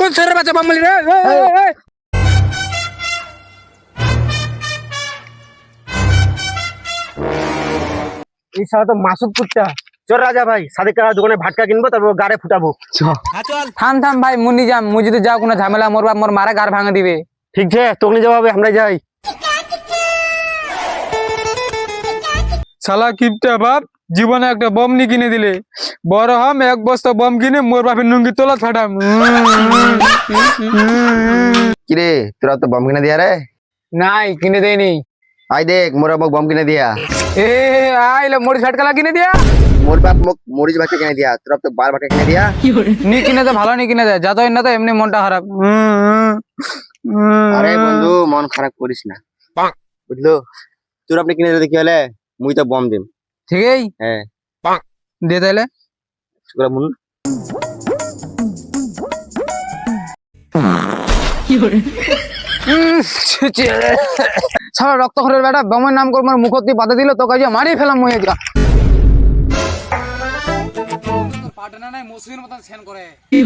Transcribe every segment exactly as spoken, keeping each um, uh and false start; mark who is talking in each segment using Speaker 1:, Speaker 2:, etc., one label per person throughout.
Speaker 1: ছেড়ে বাচ্চা বামলি রে
Speaker 2: এই সারা তো মাসুদ কুত্তা। চল রাজা ভাই সাদেক কাকা দোকানে ভাটকা কিনবো, তারপর গাড়ে ফুটাবো।
Speaker 1: থাম থাম ভাই মুন্নি যাম, মুই যদি যাও কোনো ঝামেলা মোর বাপ মোর মারা গার ভাঙে দিবে।
Speaker 2: ঠিক আছে তোকে নিয়ে যাবো হবে, আমরা যাই।
Speaker 3: শালা কিপটা বাপ, জীবনে একটা বম নি কিনে দিলে, বড় হম এক বস্তা বম কিনে মোর বাপের নুঙ্গি তোলা ছাড়াম।
Speaker 4: কিরে তোরা তো বম কিনে দিয়া রে?
Speaker 1: নাই কিনে দেয়নি।
Speaker 4: আই দেখ মোর মোক বম কিনে দিয়া।
Speaker 1: এ আইলে মোর ঝটকালা কিনে দিয়া।
Speaker 4: মোর বাপ মোক মরিচ ভাতে কিনে দিয়া, তোরা তো বার ভাতে কিনে দিয়া।
Speaker 1: নি কিনে দে ভালো নি কিনে দে, যা তো না তো এমনি মনটা খারাপ।
Speaker 4: আরে বন্ধু মন খারাপ করিস না, বুঝলো? তোর আপনি কিনে দিতে কি হলে, মুই তো বম দিম।
Speaker 1: ঠিকই
Speaker 4: হ্যাঁ
Speaker 1: দে তাইলে।
Speaker 4: শুকরা মুন
Speaker 1: সারা রক্ত খরের বেটা বমের নাম করে মোর মুখত দিয়ে বাধা দিল, তো কাজে মারি ফেলাম মুই যা। পাটনা নাই মুসলিমের মতন সেন করে।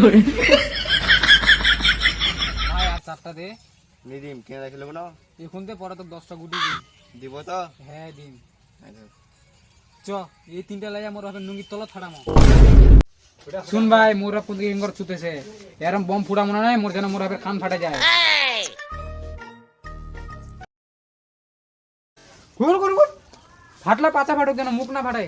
Speaker 1: ভাই আর চারটা দে।
Speaker 4: নিদিম কিনে রাখিল না
Speaker 1: এখন তে পরে তো দশটা গুটি দিন।
Speaker 4: দিব তো।
Speaker 1: হ্যাঁ দিন। চ এই তিনটা লাইয়া মোর ভাবে নুঙ্গি তলা ছাড়ামো। শুন ভাই মোর বাপ কোন দিকে ইঙ্গর ছুতেছে, এরম বম ফুড়া মনে নাই মোর যেন মোর ভাবে কান ফাটা যায়। ঘুর ঘুর ঘুর ফাটলা পাছা ফাটুক যেন মুখ না ফাটায়।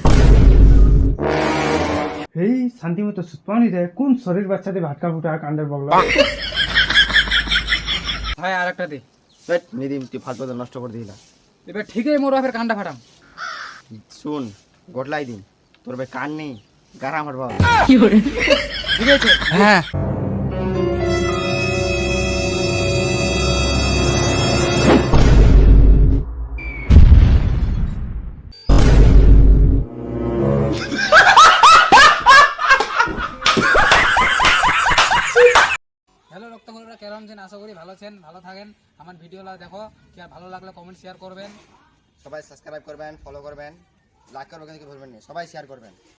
Speaker 3: এই শান্তি মতো সুতপানি রে, কোন শরীর বাচ্চাতে ভাটকা ফুটা কাণ্ডের বগলা।
Speaker 1: ভাই আর একটা দে।
Speaker 4: নিদিম তুই ফালতু কথা নষ্ট করে দিলা।
Speaker 1: এবার ঠিকই মোর বাপের কানটা ফাটাম।
Speaker 4: শুন গটলাই দিন, তোর ভাই কান নেই গারা আমার বাবা।
Speaker 1: ঠিক আছে হ্যাঁ। হ্যালো রক্তকরীরা, কেমন আছেন? আশা করি ভালো আছেন, ভালো থাকেন। আমার ভিডিওটা দেখো, কি আর ভালো লাগলে কমেন্ট শেয়ার করবেন।
Speaker 4: সবাই সাবস্ক্রাইব করবেন, ফলো করবেন, লাইক করবেন, কিন্তু ভুলবেন না, সবাই শেয়ার করবেন।